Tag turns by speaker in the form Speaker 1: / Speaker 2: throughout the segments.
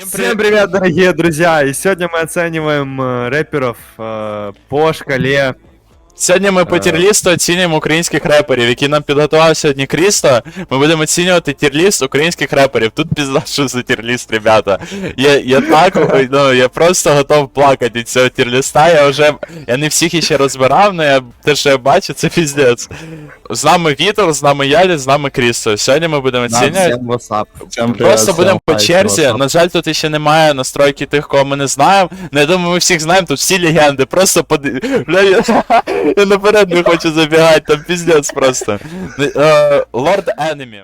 Speaker 1: Всем привет, дорогие друзья! И сегодня мы оцениваем рэперов по шкале.
Speaker 2: Сьогодні ми по тірлісту оцінюємо українських реперів, які нам підготував сьогодні Крісто. Ми будемо оцінювати тірліст українських реперів. Тут пізда, що за тірліст, ребята. Я просто готов плакати від цього тірліста. Я не всіх іще розбирав, але те, що я бачу, це піздець. З нами Вітер, з нами Ялі, з нами Крісто. Сьогодні ми будемо оцінювати. Просто будемо по черзі. На жаль, тут ще немає настройки тих, кого ми не знаємо. Я думаю, ми всіх знаємо, тут всі легенди. Просто я наперед не хочу забігати, там піздець просто. Лорд Енемі.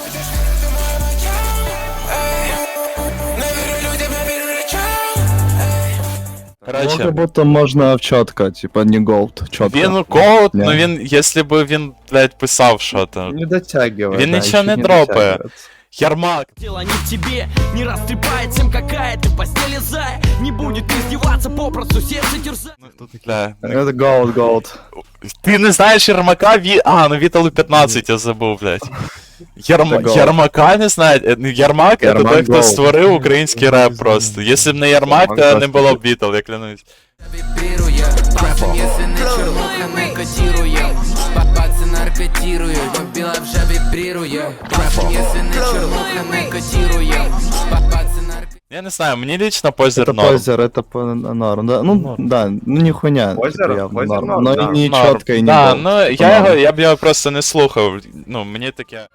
Speaker 3: Короче, как будто можно чётко, типа не голд, чётко.
Speaker 2: Він голд, но він, якщо б він, блядь, писав що-то.
Speaker 3: Не дотягивает.
Speaker 2: Він нічого не дропає. Ярмак.
Speaker 4: Дело не в тебе, не растрепает всем какая ты в постели зая. Не будет издеваться, попросту сердце терзать.
Speaker 3: Это голд.
Speaker 2: Ти не знаєш Ярмака? Ну Віталу 15 я забув, блядь. Ярмака не знає? Ярмак це той, хто створив український реп просто. Якщо б не Ярмак, то не було б Вітал, я клянусь. Я не знаю, мені лично позер норм.
Speaker 3: Это норм, да? Ну, да, ну не хуйня.
Speaker 1: Позер норм,
Speaker 3: но
Speaker 1: да.
Speaker 3: и не
Speaker 2: Норм.
Speaker 3: чётко, и не
Speaker 2: Да,
Speaker 3: голд.
Speaker 2: ну я б його просто не слухав. Ну, мені таке.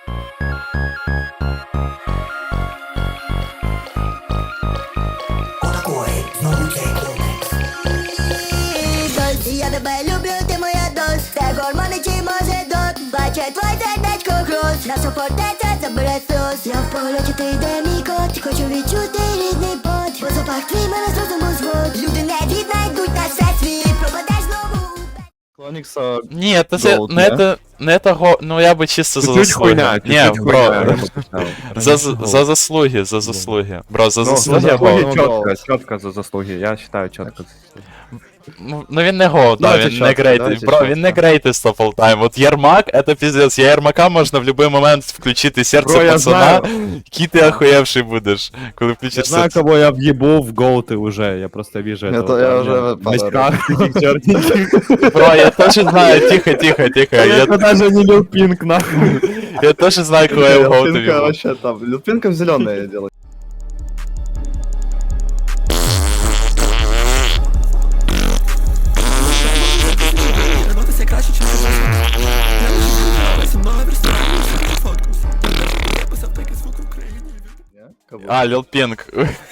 Speaker 5: Я тебе люблю, ти моя дось. Це гормони чи може дот. Бачить твій сердечко груз. Наша фортеця забере сльоз. Я в польоті, ти йде мій кот. Хочу відчути рідний пот. Бо запах твій мене з розуму звод. Люди не віднайдуть наш всесвіт. Пропадеш знову.
Speaker 3: Клоникса
Speaker 2: Ні,
Speaker 3: Gold,
Speaker 2: ну я би чисто за
Speaker 1: Чуть-чуть
Speaker 2: заслуги.
Speaker 1: хуйня,
Speaker 2: Ні,
Speaker 1: чуть-чуть
Speaker 2: бро,
Speaker 1: хуйня.
Speaker 2: за заслуги. Бро, за заслуги
Speaker 1: Заслуги
Speaker 2: гол.
Speaker 1: чітко за заслуги, я вважаю чітко.
Speaker 2: Ну він не гол, да,
Speaker 3: Давайте
Speaker 2: він не
Speaker 3: чітко,
Speaker 2: greatest.
Speaker 3: давайте
Speaker 2: Бро,
Speaker 3: чітко.
Speaker 2: він не greatest of all time. От Ярмак, это пиздец. Я Ярмака можна в будь-який момент включити серце
Speaker 1: Бро, я
Speaker 2: пацана, який ти охуєвший будеш, коли
Speaker 1: Я
Speaker 2: включиш
Speaker 1: знаю,
Speaker 2: серце.
Speaker 1: кого я въебу в голты уже, я просто вижу
Speaker 3: Это
Speaker 1: этого
Speaker 3: я
Speaker 1: парня
Speaker 3: уже
Speaker 1: в очках таких черненьких.
Speaker 2: Бро, я теж знаю, тихо.
Speaker 1: Это даже не Лил Пинк, нахуй.
Speaker 2: Я теж знаю, кого я в голту
Speaker 3: Люпинка
Speaker 2: в'їбав.
Speaker 3: вообще там. Люпинка зеленая делает.
Speaker 2: Лил Пінк.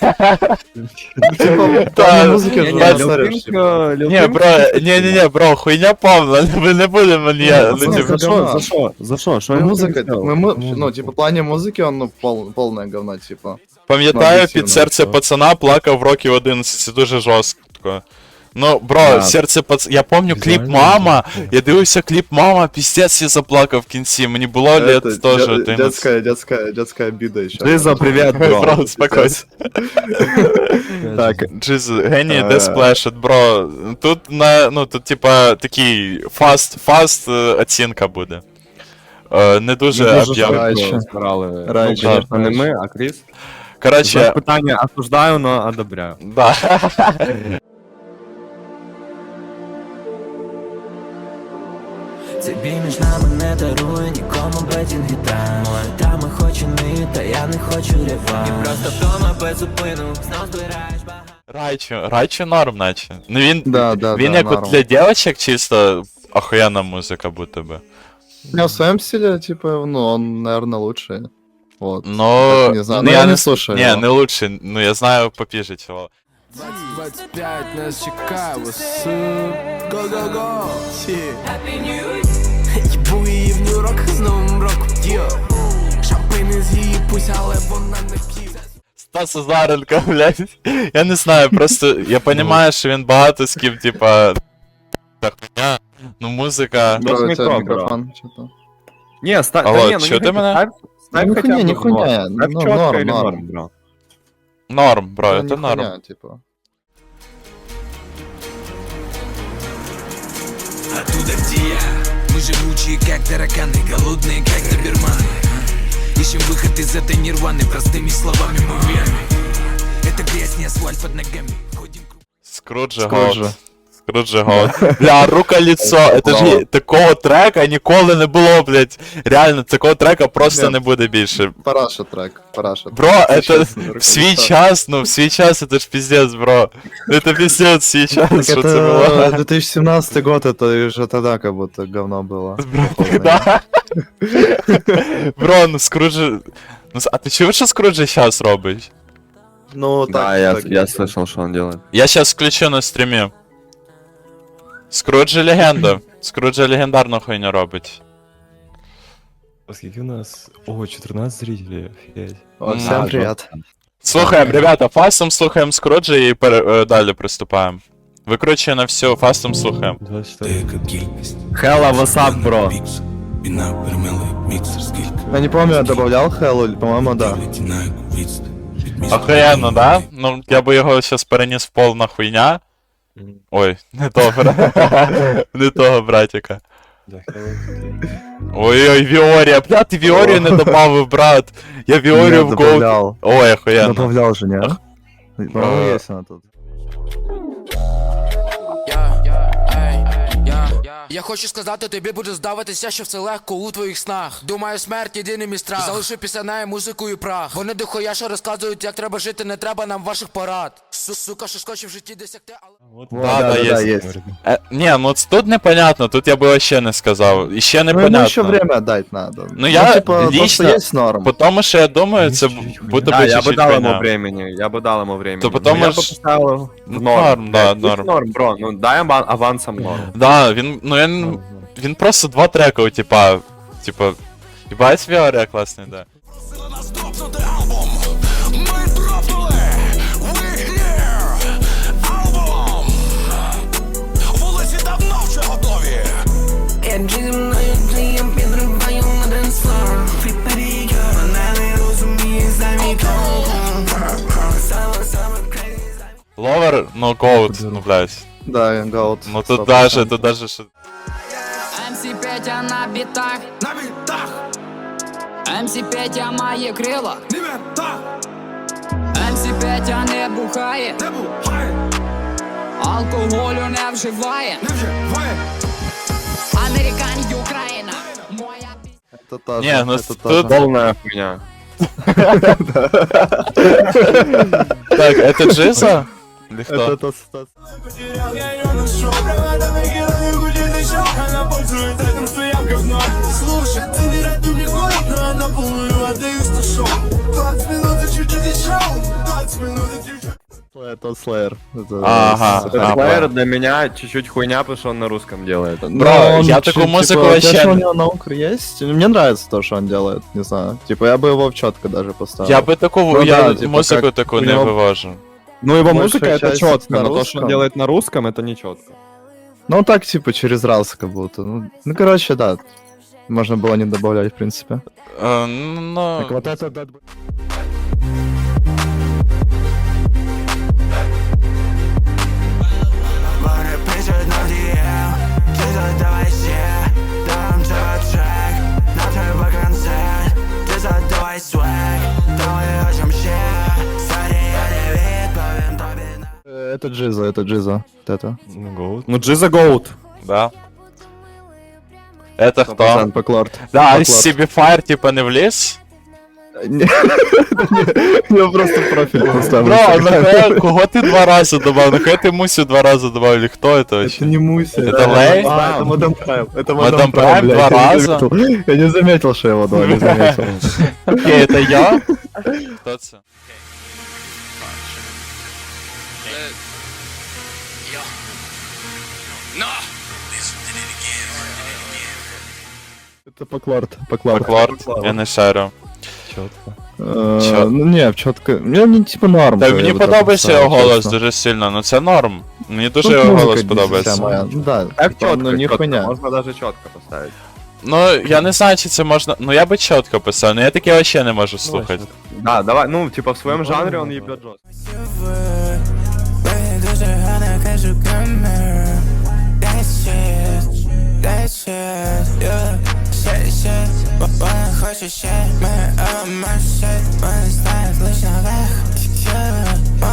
Speaker 3: Типа, в
Speaker 2: Да,
Speaker 3: плане музыки
Speaker 2: не,
Speaker 3: же
Speaker 2: не,
Speaker 3: не смотришь, типа.
Speaker 2: Не, бро, бро, хуйня повна, ми не будемо,
Speaker 1: За что? Что
Speaker 3: Музыка, ну, типа, в плане музыки он, ну, полное говно, типа.
Speaker 2: Пам'ятаю,
Speaker 3: об'єктивно,
Speaker 2: під серце
Speaker 3: що.
Speaker 2: пацана плакав в років 11, це дуже жорстко. Ну, бро,
Speaker 1: Да.
Speaker 2: серце пацана. Я помню кліп Мама, я дивився кліп Мама, піздець я заплакав в кінці, мені було лет
Speaker 3: Это
Speaker 2: теж 11.
Speaker 3: детская обида еще.
Speaker 1: Джиза, привет, бро.
Speaker 2: Бро, успокойся.
Speaker 3: Так,
Speaker 2: Джиз, геній, де сплешет, бро. Тут тут типа такий фаст оцінка буде. Не дуже об'єм.
Speaker 3: Раніше.
Speaker 1: Збирали.
Speaker 3: Раніше.
Speaker 1: Ну, конечно, не ми, а Кріс.
Speaker 2: Короче,
Speaker 1: Питання осуждаю, но одобряю.
Speaker 2: да.
Speaker 6: Цей бій між нами не дарує нікому бетінг і тайм. Та ми хочу не, та я не хочу реванш. І просто вдома без зупину, знов збираєш багато.
Speaker 2: Райчу норм, наче. Ну він
Speaker 3: Да,
Speaker 2: як от
Speaker 3: норм.
Speaker 2: для дівчаток чисто охуєнна музика, будто би.
Speaker 3: Не, в своем стиле, типа, ну, он, наверное, лучший. Вот.
Speaker 2: Ну,
Speaker 3: Не знаю,
Speaker 2: ну,
Speaker 3: я не слушаю
Speaker 2: Не,
Speaker 3: его.
Speaker 2: не лучше, ну я знаю попіже чого.
Speaker 7: 25 нас чекає, what's up? Go-go-go, Їбу її в Нью-Йорк з Новим роком, Шампейни з її пусть, але вона не п'є.
Speaker 2: Стас Азаренко, блядь. Я не знаю, просто я понимаю, що він багато з ким, типа, так, хуйня, ну музика.
Speaker 1: Ну,
Speaker 3: Бро, у
Speaker 1: не
Speaker 3: тебя
Speaker 1: то,
Speaker 3: микрофон, что-то.
Speaker 1: Не, ставь,
Speaker 2: Алло,
Speaker 1: не, ну
Speaker 2: чё
Speaker 1: не
Speaker 2: ты
Speaker 1: хотя-
Speaker 2: меня?
Speaker 1: ставь
Speaker 3: Ну,
Speaker 1: хотя
Speaker 3: хуйня,
Speaker 1: бы
Speaker 3: не хуйня,
Speaker 1: норм. Ставь
Speaker 3: ну,
Speaker 1: чётко
Speaker 3: норм,
Speaker 1: или
Speaker 3: норм.
Speaker 1: норм, бро.
Speaker 2: Норм, бро,
Speaker 3: Ну,
Speaker 2: это
Speaker 3: не
Speaker 2: норм.
Speaker 3: хуйня, типа.
Speaker 6: Оттуда, где я. Мы живучие, как тараканы, голодные, как доберманы. Ищем выход из этой нирваны, простыми словами мы верны.
Speaker 7: Это грязь, не асфальт под ногами. Ходим
Speaker 2: Скруджи
Speaker 3: Скруджи.
Speaker 2: Гоут. Скруджи Гоут. Бля, рука-лицо. Это ж такого трека ніколи не було, блядь. Реально, такого трека просто
Speaker 3: Ні.
Speaker 2: не буде більше.
Speaker 3: Параша трек, параша.
Speaker 2: Бро, это
Speaker 3: Честно,
Speaker 2: в свій
Speaker 3: рука-лицо.
Speaker 2: час, ну в свій час это ж пиздец, бро. Это пиздец в свій час,
Speaker 3: Так
Speaker 2: що це
Speaker 3: это
Speaker 2: було.
Speaker 3: 2017 год, это уже тогда как будто говно было.
Speaker 2: Бро, да. Бро, ну Скруджи... Ну, а ти чув, що Скруджи щас робить?
Speaker 3: Ну, так,
Speaker 1: Да, я
Speaker 3: так.
Speaker 1: слышал, что он делает.
Speaker 2: Я щас включу на стрімі. Скруджи легенда. Скруджи легендарну хуйню робить.
Speaker 8: Скільки у нас? О, 14 зрителей, офігеть.
Speaker 3: О, всем привет.
Speaker 2: Слухаємо, ребята, фастом слухаємо Скруджи і далі приступаємо. Викручує на всю, фастом слухаємо.
Speaker 8: 24.
Speaker 1: Hella, what's up, bro?
Speaker 3: Я не помню, я добавлял Хэллу, по-моему, да.
Speaker 2: Охуєнно, да? Ну, я би його щас переніс в пол на хуйня. Ой, не того, не того, братіка. Ой-ой, Віорія, бля, ти Віорію не добавив, брат. Я Віорію
Speaker 3: Я
Speaker 2: в Gold.
Speaker 3: добавлял.
Speaker 2: Ой, охуєнно.
Speaker 3: Добавлял же, не? По-моему, есть она тут.
Speaker 9: Я хочу сказати, тобі буде здаватися, що все легко у твоїх снах. Думаю, смерть єдиний мій страх. Залиши після неї музику і прах. Вони дохуя що розказують, як треба жити, не треба нам ваших порад. Сука, що скочив в житті досягти, але...
Speaker 2: Да, є.
Speaker 3: есть.
Speaker 2: Ні, ну тут непонятно, тут я би вообще не сказав. І ще
Speaker 3: Ну, ему
Speaker 2: непонятно.
Speaker 3: еще время дать надо.
Speaker 2: Ну, я
Speaker 3: типа, то, что
Speaker 2: лично-
Speaker 3: есть норм.
Speaker 2: Потому що я думаю, це буде
Speaker 1: Да,
Speaker 2: би
Speaker 1: я бы
Speaker 2: чуть-чуть
Speaker 1: дал ему
Speaker 2: хуйня.
Speaker 1: времени, я бы дал ему времени.
Speaker 2: То потому
Speaker 1: Но я бы
Speaker 2: ж-
Speaker 1: поставил
Speaker 2: Ну,
Speaker 1: в норм.
Speaker 2: норм, да,
Speaker 1: Блядь,
Speaker 2: норм.
Speaker 1: норм, бро, ну дай авансом норм.
Speaker 2: Да, він, ну він просто два трека, типа, їбать Віорія класний, да.
Speaker 7: Ми дропнули, we here, альбом. Вулиці давно вже готові. Я зі мною клієм підриваю на денслор. Фріпері, мене не розуміє за мій тон. Саме crazy.
Speaker 2: Ловер, ну гоут, ну блядь.
Speaker 3: Да, Goat.
Speaker 2: Ну тут даже, що...
Speaker 10: МС Петя на бітах,
Speaker 7: На бітах,
Speaker 10: МС Петя має крила,
Speaker 7: не бітах,
Speaker 10: МС Петя не бухає,
Speaker 7: не бухає,
Speaker 10: алкоголю не вживає.
Speaker 7: не вживає.
Speaker 10: Американ і Україна, моя пісня.
Speaker 3: Это тоже,
Speaker 2: Не, ну
Speaker 3: это
Speaker 2: тут-
Speaker 3: тоже.
Speaker 1: Полная хуйня.
Speaker 2: Так, это Джиза? Или кто?
Speaker 3: Это Стас.
Speaker 7: Потерял я ее нашел. Провода выкидываю, гудит еще. Она пользуется этим, что я говно. Слушай, ты не рад, не приходит, но она полную отдаюсь на шоу. 20 минут и чуть-чуть еще. 20 минут и чуть-чуть.
Speaker 3: Это Slayer. Это
Speaker 2: Ага,
Speaker 3: это
Speaker 2: ага.
Speaker 1: Slayer для меня чуть-чуть хуйня, потому что он на русском делает.
Speaker 2: Бро,
Speaker 3: он
Speaker 2: я
Speaker 3: чуть,
Speaker 2: такую музыку
Speaker 3: типа,
Speaker 2: вообще-
Speaker 3: знаешь, у него наука есть. Мне нравится то, что он делает, не знаю. Типа, я бы его в четко даже поставил.
Speaker 2: Я би таку,
Speaker 3: Ну
Speaker 2: я
Speaker 3: да, типа,
Speaker 2: музику
Speaker 3: как
Speaker 2: таку
Speaker 3: у
Speaker 2: не
Speaker 3: него-
Speaker 2: вивожу.
Speaker 1: Ну его
Speaker 3: Большая
Speaker 1: музыка это
Speaker 3: часть
Speaker 1: четко,
Speaker 3: на
Speaker 1: но то, что
Speaker 3: русском.
Speaker 1: он делает на русском, это не четко.
Speaker 3: Ну, так, типа, через раз как будто. Ну, короче, да. Можно было не добавлять, в принципе.
Speaker 2: Ну,
Speaker 3: Так вот это... Bad Boy-
Speaker 7: Вони пишуть на DM. Ти задавай ще. Там треба трек. Нам треба концерт. Ти задавай свек. Там ми хочем ще. Сорі, я не відповім тобі на...
Speaker 3: Это Джиза, это Джиза. Вот это.
Speaker 8: Ну, Goat.
Speaker 1: Ну Джиза Гоут.
Speaker 2: да. Это хто?
Speaker 3: Поклорд.
Speaker 2: Да,
Speaker 3: Поклорд.
Speaker 2: CB Fire типа не вліз?
Speaker 3: Я просто профиль поставлю.
Speaker 2: Бро, нахуя, кого ти два рази добавив? Нахуя ти Мусю два рази добавив? Или хто это
Speaker 3: Это
Speaker 2: вообще?
Speaker 3: не Муся.
Speaker 2: Это Лэй?
Speaker 3: А, это Мадам Прайм. Это
Speaker 2: Мадам
Speaker 3: Мадам
Speaker 2: Прайм
Speaker 3: Прайм,
Speaker 2: два
Speaker 3: блядь, я не
Speaker 2: раза?
Speaker 3: заметил. Я не заметил, что его два, не заметил.
Speaker 2: Окей, это я? Хто це?
Speaker 3: Это Поклорд. Поклорд.
Speaker 2: Поклорд? Я не шарю.
Speaker 8: Чітко.
Speaker 3: Ну не, в четко. Мне не типа норм.
Speaker 2: Та
Speaker 3: я
Speaker 2: мені
Speaker 3: бы так
Speaker 2: подобається
Speaker 3: поставил,
Speaker 2: його голос
Speaker 3: честно.
Speaker 2: дуже сильно, ну це норм. Мені дуже
Speaker 3: Тут
Speaker 2: його
Speaker 3: музыка
Speaker 2: голос
Speaker 3: не
Speaker 2: подобається.
Speaker 3: вся моя. Ну да,
Speaker 1: Так
Speaker 3: типа,
Speaker 1: четко,
Speaker 3: ну не
Speaker 1: четко,
Speaker 3: хуйня.
Speaker 1: можно даже четко поставить.
Speaker 2: Ну, я не знаю, чи це можна. Ну я би чітко писав, ну я таке вообще не можу слухати.
Speaker 1: Да, давай, ну типа в своем жанре он ебет жестко.
Speaker 7: Дуже гарно кажу камеру. That shit, that shit, yeah. Shit, вона хоче ще. Ми shit, вони знають лиш наверх.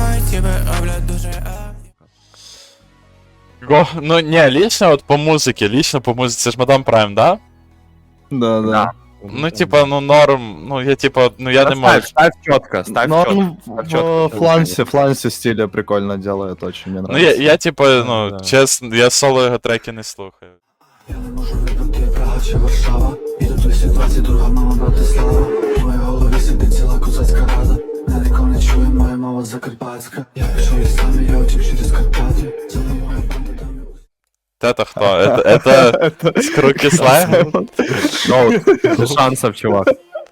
Speaker 2: Ну, не, лично вот по музыке, це ж Мадам Прайм, да?
Speaker 3: Да, да.
Speaker 2: Ну, типа, ну, норм, ну, я, типа, ну, я не можу.
Speaker 1: Ставь четко, ставь
Speaker 3: Но
Speaker 1: четко.
Speaker 3: он в флансе стиля прикольно делает, очень мне
Speaker 2: Ну,
Speaker 3: нравится.
Speaker 2: я типа, ну,
Speaker 8: Да.
Speaker 2: чесно, я соло його треки не слухаю.
Speaker 7: Я не можу вибрати Прага чи Варшава. Іду 222, мама Братислава. В моїй голові сидить ціла козацька рада. Мене ніхто не чує, моя мова закарпатська. Я пішов із самі, я утік через Карпати. За мною моя банда там і
Speaker 2: Это хто? Это з Круки Слайм?
Speaker 1: Без шансов, чувак.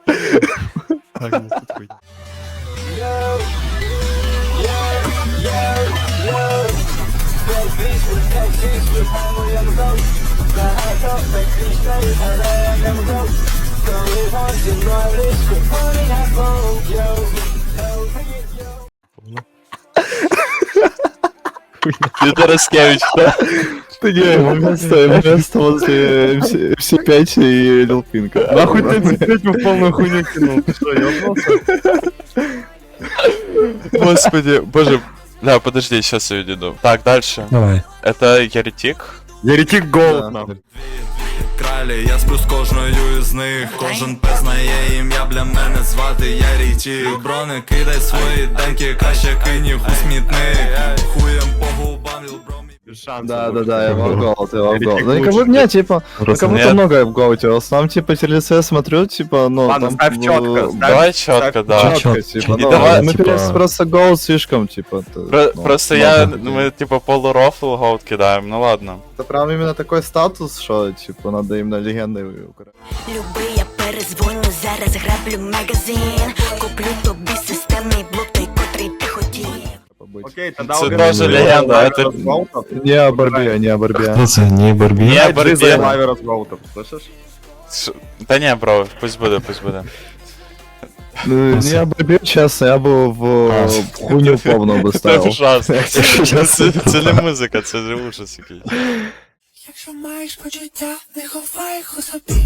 Speaker 2: Підороскевич, хто?
Speaker 3: Ты не, место возле MC5 и Lil Pink.
Speaker 1: Нахуй ты цепеть в полную хуйню кинул, ты что, ёбнулся?
Speaker 2: Господи, боже. Бля, подожди, сейчас я иду. Так, дальше.
Speaker 8: Давай.
Speaker 2: Это Еретик.
Speaker 1: Еретик голод, нахуй.
Speaker 7: кралі, я сплю з кожною із них. Кожен пес знає ім'я, бля мене звати Ярітік. Брони, кидай свої демки, краще кинь їх у смітник. Хуєм по губам, лілбро.
Speaker 1: Без шансов.
Speaker 3: Да, я в голд, я в голд.
Speaker 1: Еретик
Speaker 3: Ну, как
Speaker 1: лучше.
Speaker 3: бы мне, типа, ну,
Speaker 2: Просто
Speaker 3: как будто
Speaker 2: нет.
Speaker 3: много в голде. В основном, типа, телеце смотрю, типа, ну,
Speaker 1: Ладно,
Speaker 3: там...
Speaker 1: ставь чётко, ставь.
Speaker 2: Давай четко, да.
Speaker 3: Чётко,
Speaker 8: Чётко,
Speaker 3: типа,
Speaker 8: чётко.
Speaker 3: ну,
Speaker 2: давай,
Speaker 3: мы
Speaker 8: типа-
Speaker 3: просто голд слишком, типа... ну,
Speaker 2: Просто
Speaker 3: много
Speaker 2: я,
Speaker 3: людей.
Speaker 2: мы типа полурофл голд кидаем, ну ладно.
Speaker 3: Это прям именно такой статус, что, типа, надо именно легендой украсть.
Speaker 5: Люби, я перезвоню, зараз граблю магазин. Куплю тобі системний блок, той, котрий ти хотів.
Speaker 1: Окей, тогда
Speaker 2: Це
Speaker 1: угадай.
Speaker 2: тоже легенда, это-
Speaker 3: Не о борьбе, не о борьбе.
Speaker 8: Хто це? Не Барбі?
Speaker 2: Не,
Speaker 1: Я
Speaker 2: борьбе.
Speaker 1: за лавера с голтом, слышишь?
Speaker 2: Да не, бро, пусть буде, пусть буде.
Speaker 3: Ну, не о борьбе, честно, я бы в хуйню повну бы
Speaker 2: Це
Speaker 3: ставил.
Speaker 2: ужасно. Це не музика, це ж ужас якийсь.
Speaker 7: Якщо маєш почуття, не ховай їх у собі.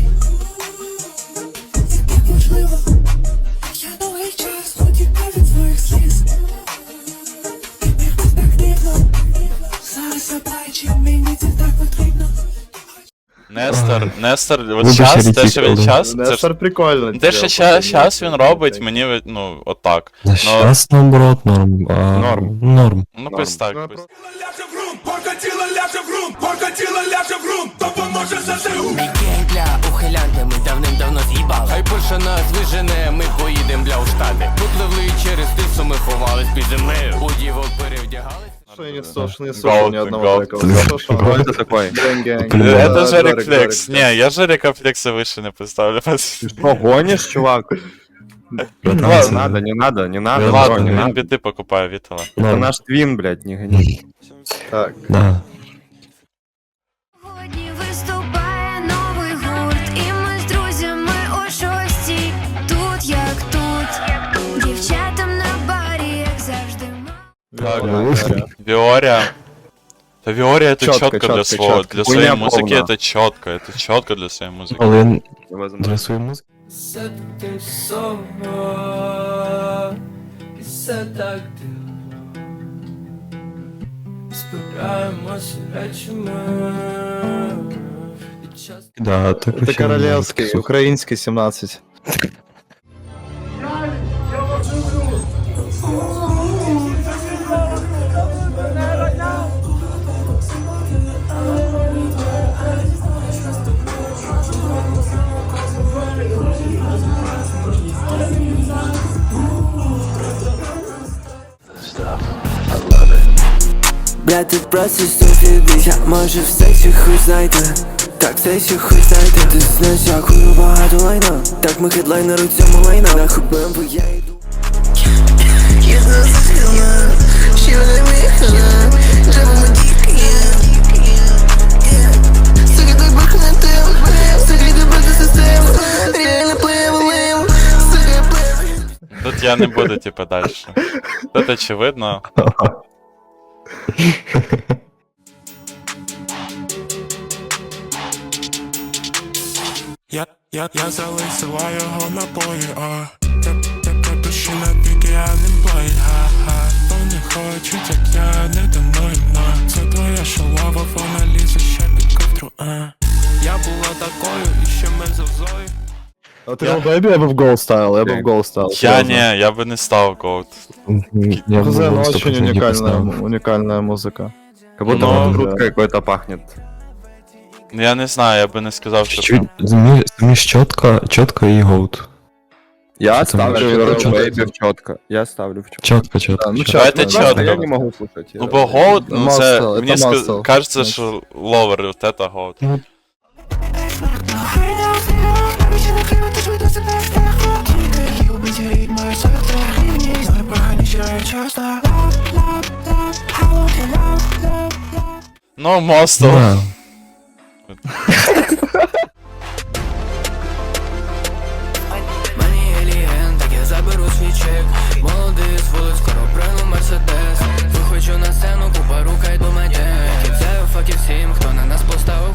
Speaker 7: Це так можливо. Я довгий час утікав від своїх сліз. Ти міг би так дивно. Зараз заплачу, мені це так потрібно.
Speaker 2: Нестор, от
Speaker 8: Вибач,
Speaker 2: час, те,
Speaker 8: Еретик,
Speaker 2: що він
Speaker 8: але-
Speaker 2: час, це ж...
Speaker 3: Нестор прикольно.
Speaker 2: Те, що щас він робить, мені, ну, отак.
Speaker 8: На щас, наоборот, норм.
Speaker 1: Норм.
Speaker 8: Норм.
Speaker 2: Ну, пусть так,
Speaker 3: Ну,
Speaker 2: пусть.
Speaker 4: Мій гейм для ухилянти, ми давним-давно з'їбали. Хай Польща нас вижене, ми поїдем бля у штати. Попливли через тису, ми ховались під землею. У дівок перевдягались.
Speaker 3: Что я не слушал, не слушал ни одного
Speaker 2: Голд.
Speaker 3: трека. Слышал, что
Speaker 1: Кто это такой?
Speaker 3: Гэнг-гэнг.
Speaker 2: Это
Speaker 3: Да,
Speaker 2: Жарик
Speaker 3: Жарик,
Speaker 2: Флекс.
Speaker 3: Жарик.
Speaker 2: Не, я Жарика Флекса выше не поставлю.
Speaker 1: Что, гонишь, чувак?
Speaker 8: Братан,
Speaker 1: Не
Speaker 8: це-
Speaker 1: надо, не надо, не надо,
Speaker 8: Ну,
Speaker 1: бро,
Speaker 2: Ладно,
Speaker 1: не
Speaker 2: він
Speaker 1: надо.
Speaker 2: біти покупає Вітала.
Speaker 1: Это
Speaker 8: Норм.
Speaker 1: наш твин, блядь, не гони.
Speaker 3: Так,
Speaker 8: Да.
Speaker 5: Сьогодні виступає новий гурт, і ми з друзями о 6:00. Тут як тут, дівчатам на барі, як завжди.
Speaker 2: Так, Виория. Да Виория это
Speaker 3: Чётко,
Speaker 2: четко для
Speaker 3: чётко,
Speaker 2: своего,
Speaker 3: чётко.
Speaker 2: для
Speaker 1: Хуйня
Speaker 2: своей музыки
Speaker 1: полная.
Speaker 2: это четко для своей музыки.
Speaker 8: Але я
Speaker 1: Невозможно.
Speaker 8: для своєї музики.
Speaker 6: Все ти само, і все так дивно. Збираємося речами. І час
Speaker 8: Да, так
Speaker 3: это
Speaker 8: вообще
Speaker 3: королевский,
Speaker 8: музика.
Speaker 3: украинский 17.
Speaker 6: Бля, ти просто ступідись, я може в сексі хуй знайти. Так, сексі хуй знайти. Ти знаєш, як хуй багато лайна. Так ми хедлайнер у цьому лайна. Нахуй БМВ, я йду.
Speaker 2: Тут я не буду типа дальше. Тут очевидно.
Speaker 7: Я залишила його напої, Тебе пиши на піки, а не плей, ха-ха. Вони хочуть, як я не дано їм на. Це твоя наша лава, вона лізе ще під ковдру, Я була такою, і ще ми завзою.
Speaker 3: А ти Бейбі, я би в гол ставил, я бы в гол ставил.
Speaker 2: Я не, я би не став Goat.
Speaker 8: Я
Speaker 3: Хз, ну очень
Speaker 8: 100% не поставил.
Speaker 3: уникальная музыка.
Speaker 1: Как будто
Speaker 2: Ну,
Speaker 1: вот грудкой какой-то пахнет.
Speaker 2: Ну, я не знаю, я би не сказав, що
Speaker 8: Чуть-чуть,
Speaker 2: прям...
Speaker 8: заміж чітко і гоут.
Speaker 1: Я
Speaker 8: Что там?
Speaker 1: ставлю
Speaker 3: Чётко.
Speaker 1: Baby в четко. Я ставлю в четко.
Speaker 8: Чітко.
Speaker 3: Ну,
Speaker 2: Давайте
Speaker 3: чётко,
Speaker 2: чётко.
Speaker 1: Я не могу слушать.
Speaker 2: Ну, бо Goat, ну, це,
Speaker 3: Muscle,
Speaker 2: мені
Speaker 3: это muscle.
Speaker 2: кажеться, що ловер, вот это Goat. Ну, Мостов.
Speaker 8: Да.
Speaker 4: Мені алієн, так я заберу свій чек. Молодий з вулиць, скоро прийну Мерседес. Виходжу на сцену, купа рука йду меде. Кидаю факи всім, хто на нас поставив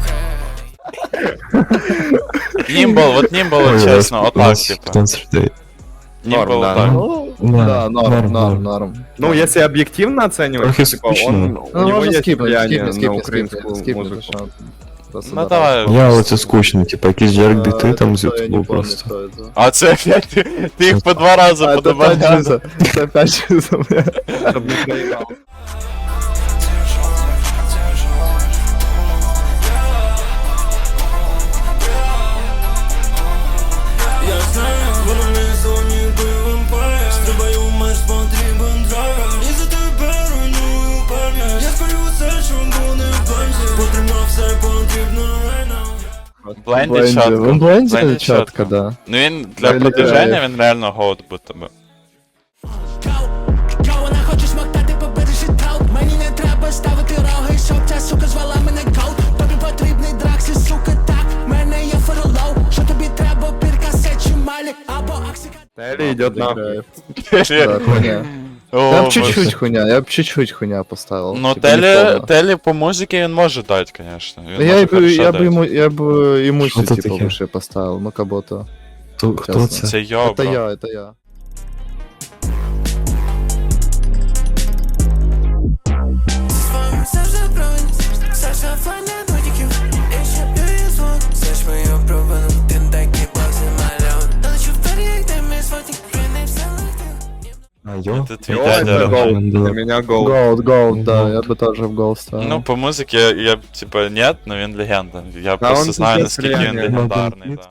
Speaker 4: хей.
Speaker 2: Німбл, вот Німбл,
Speaker 8: Ой,
Speaker 2: чесно, отак,
Speaker 8: 15
Speaker 2: типа.
Speaker 8: 15 людей.
Speaker 2: Німбл
Speaker 1: Норм, да.
Speaker 2: отак.
Speaker 3: Да, норм.
Speaker 1: Ну, если объективно оценивать,
Speaker 8: Трохи
Speaker 1: типа,
Speaker 8: скучно.
Speaker 1: он, у
Speaker 3: Ну,
Speaker 1: него
Speaker 3: можно
Speaker 1: есть
Speaker 3: скипнуть,
Speaker 1: влияние на
Speaker 3: скипнуть,
Speaker 1: украинскую
Speaker 3: скипнуть,
Speaker 1: музыку.
Speaker 3: что просто
Speaker 2: Ну,
Speaker 3: да.
Speaker 2: давай.
Speaker 8: Я оце скучно, типа якісь Джерк біти там з
Speaker 3: Это я не
Speaker 8: ютубу
Speaker 3: помню,
Speaker 8: просто.
Speaker 3: кто это.
Speaker 2: А це опять, ти їх по 2 рази
Speaker 3: А, это опять
Speaker 2: подобавляв.
Speaker 3: Жиза, это опять Жиза, бля.
Speaker 1: Чтоб не проебал.
Speaker 7: Я знаю, воно не зоні бойовим пає. Стрибаю меж потрібен драйв. І за тебе руйную пам'ять. Я спалю все, що буде в пам'яті. Потрібно все, потрібно right now.
Speaker 2: Бленді чітко.
Speaker 3: Он бленді
Speaker 2: Бленді
Speaker 3: чітко, да.
Speaker 2: Ну він для
Speaker 3: Бленді
Speaker 2: продвиження,
Speaker 3: кайф.
Speaker 2: він реально Goat будто би.
Speaker 4: Вона хоче смоктати, побережи траут. Мені не треба ставити роги, щоб ця сука звала мене гоут. Тобі потрібний драксі, сука, так. Мене є ферлоу. Що тобі треба, піркасе чи малі, або аксика.
Speaker 1: Телли идет нахуй.
Speaker 3: Да, хуйня.
Speaker 2: О,
Speaker 3: Я б
Speaker 2: Боже.
Speaker 3: чуть-чуть хуйня поставил.
Speaker 2: Ну,
Speaker 3: типа, не
Speaker 2: Телі,
Speaker 3: полно.
Speaker 2: Телі по музиці він може дати, конечно. Він
Speaker 3: Ну, я
Speaker 2: може
Speaker 3: бы
Speaker 2: хорошо дати.
Speaker 3: я бы ему
Speaker 8: Что это
Speaker 3: типа
Speaker 8: такое?
Speaker 3: выше поставил, ну кого-то.
Speaker 8: Хто
Speaker 3: Чесно.
Speaker 8: це?
Speaker 2: Це йо,
Speaker 3: Это
Speaker 2: бро.
Speaker 3: я, это я.
Speaker 7: Завжди бронь, завжди файне нотиків. І ще б'ю звук, знаєш мою провину. Ти такий бази мальон. Долечу вперед, як ти мій сватик, не все летів.
Speaker 8: А, йо?
Speaker 2: Це твій
Speaker 1: О,
Speaker 2: дядя.
Speaker 1: это гол.
Speaker 8: Да.
Speaker 1: Для меня гол.
Speaker 3: Gold, да, я бы тоже в гол ставил.
Speaker 2: Ну, по музиці я типа, нет, но він легенда. Я просто
Speaker 1: он
Speaker 2: знаю,
Speaker 1: пиздец
Speaker 2: наскільки він
Speaker 1: реально.
Speaker 2: легендарний, да.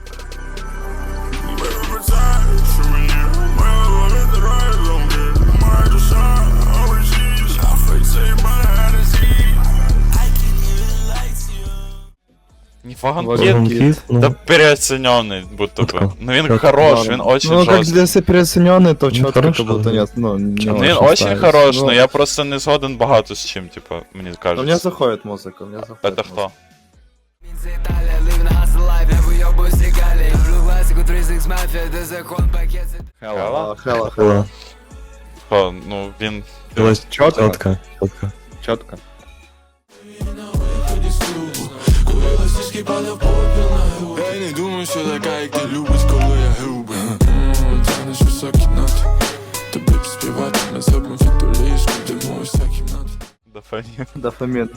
Speaker 2: Ніфаган
Speaker 3: Вагон
Speaker 2: Кіт,
Speaker 8: Кіт, ну,
Speaker 2: да переоцененный будто бы.
Speaker 8: Чётко.
Speaker 2: Ну він
Speaker 8: Чётко.
Speaker 2: хорош, він очень
Speaker 3: Ну, как
Speaker 2: жорсткий.
Speaker 3: если переоцененный, то
Speaker 8: Ну,
Speaker 3: четко
Speaker 8: хорош,
Speaker 3: как будто
Speaker 8: да.
Speaker 3: нет, ну, не
Speaker 2: Ну він очень
Speaker 3: ставить.
Speaker 2: хорош,
Speaker 3: Ну,
Speaker 2: но я просто не згоден багато з чим, типа, мені
Speaker 3: но
Speaker 2: кажется.
Speaker 3: мне заходит музыка, мне заходит.
Speaker 2: Это хто?
Speaker 4: Це Італія, live на hustle life, я вийобуюсь регалії. Люблю класику 3-6 мафія, де закон пакет.
Speaker 2: Хела?
Speaker 3: Хела.
Speaker 8: Хела.
Speaker 2: Хто? Ну він...
Speaker 8: Хела
Speaker 1: Чётко.
Speaker 8: чітко.
Speaker 1: Четко.
Speaker 7: Я не думаю, що така, як ти любиш, коли я губи. Тянеш високі ноти. Тобі б співати, ми зробимо фітоліжку, йдемо у вся кімната.
Speaker 2: Дофамін.
Speaker 3: Дофамин.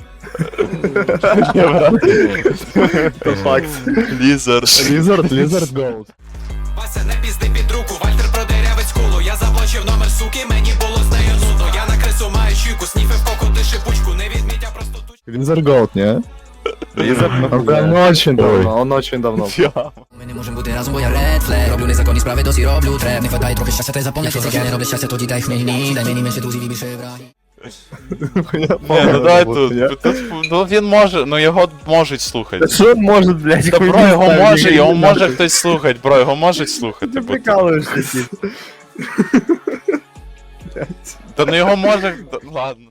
Speaker 2: Это факт. Лізард.
Speaker 3: Lizard Gold.
Speaker 4: Вася, не пізди під руку, Вальтер продерявить скулу. Я заблочив номер суки, мені було з нею нудно. Я на крису маю чуйку, сніфив коко, шипучку. Не відміть, а просто туч.
Speaker 3: Lizard Gold, не? Он прям очень давно, он очень давно.
Speaker 4: Ми не можемо бути разом, бо я ред флег. Роблю незаконні справи, досі роблю треп. Не хватає трохи щастя, ти заповняй. Якщо я не роблю щастя, тоді дай хмельні. Дай мені менше друзів і більше враги.
Speaker 2: Ні, ну давай тут. Ну він може, ну його можуть слухати.
Speaker 1: Что он может, блядь,
Speaker 2: Та бро, його може хтось слухати, бро, його можуть слухати.
Speaker 1: Ты
Speaker 2: бо-
Speaker 1: прикалываешься, Кит.
Speaker 2: Та ну його може... Ладно.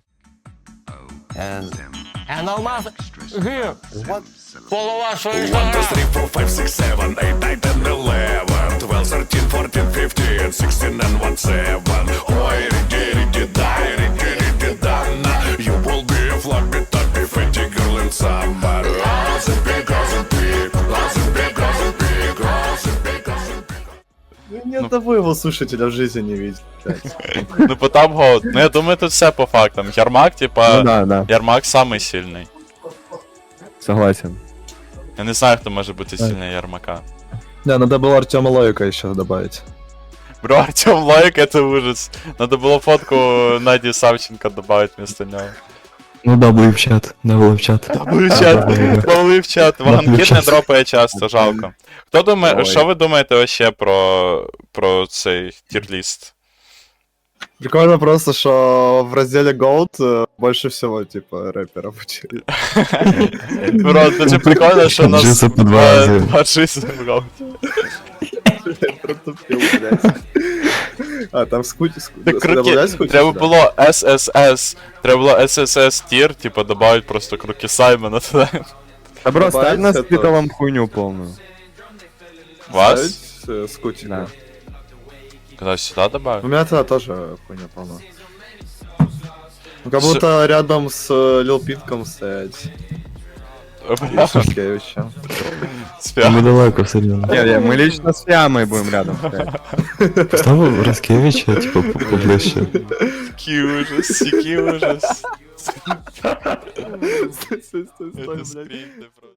Speaker 2: Ну
Speaker 3: одного его слушателя в жизни не видел.
Speaker 2: Ну, Потап Гоут. Ну, я думаю, тут все по фактам. Ярмак, типа,
Speaker 1: Ну да, да,
Speaker 2: Ярмак самий сильний.
Speaker 1: согласен.
Speaker 2: Я не знаю, хто може бути сильний Ярмака.
Speaker 3: Не, надо было Артема Лоика еще добавить.
Speaker 2: Бро, Артем Лайк, это ужас. Надо было фотку Наді Савченко добавить вместо нього.
Speaker 8: Ну да, в чат, в чат.
Speaker 2: Павли в чат. Ваганкіт не дропає часто, жалко. Хто думає,
Speaker 3: Ой.
Speaker 2: що ви думаєте вообще про цей тірліст?
Speaker 3: Прикольно просто, что в разделе Gold больше всего, типа, рэперов учили.
Speaker 2: Бро, дуже прикольно, що у нас
Speaker 8: Джиса по два рази.
Speaker 2: два джиса в гауті.
Speaker 3: Протупил, блядь. А, там скути.
Speaker 2: Так круки, треба було SSS, треба було SSS тір, типа добавить просто круки Саймона туди.
Speaker 1: Да, бро, ставь
Speaker 3: Добавить
Speaker 1: на
Speaker 3: это.
Speaker 1: спитовом хуйню полную.
Speaker 2: Вас?
Speaker 3: Скутик.
Speaker 1: Да.
Speaker 2: Когда сюда добавить?
Speaker 3: У меня тогда тоже хуйня полна. Ну, как будто рядом с Лил Питком стоять. И Шушкевичем.
Speaker 8: Мы далеко, серьезно.
Speaker 1: Не, мы лично с Ямой будем рядом стоять.
Speaker 8: Поставил Раскевича, типа, поближе.
Speaker 2: Який ужас, який ужас.
Speaker 3: Стой,
Speaker 2: Это скрипты просто.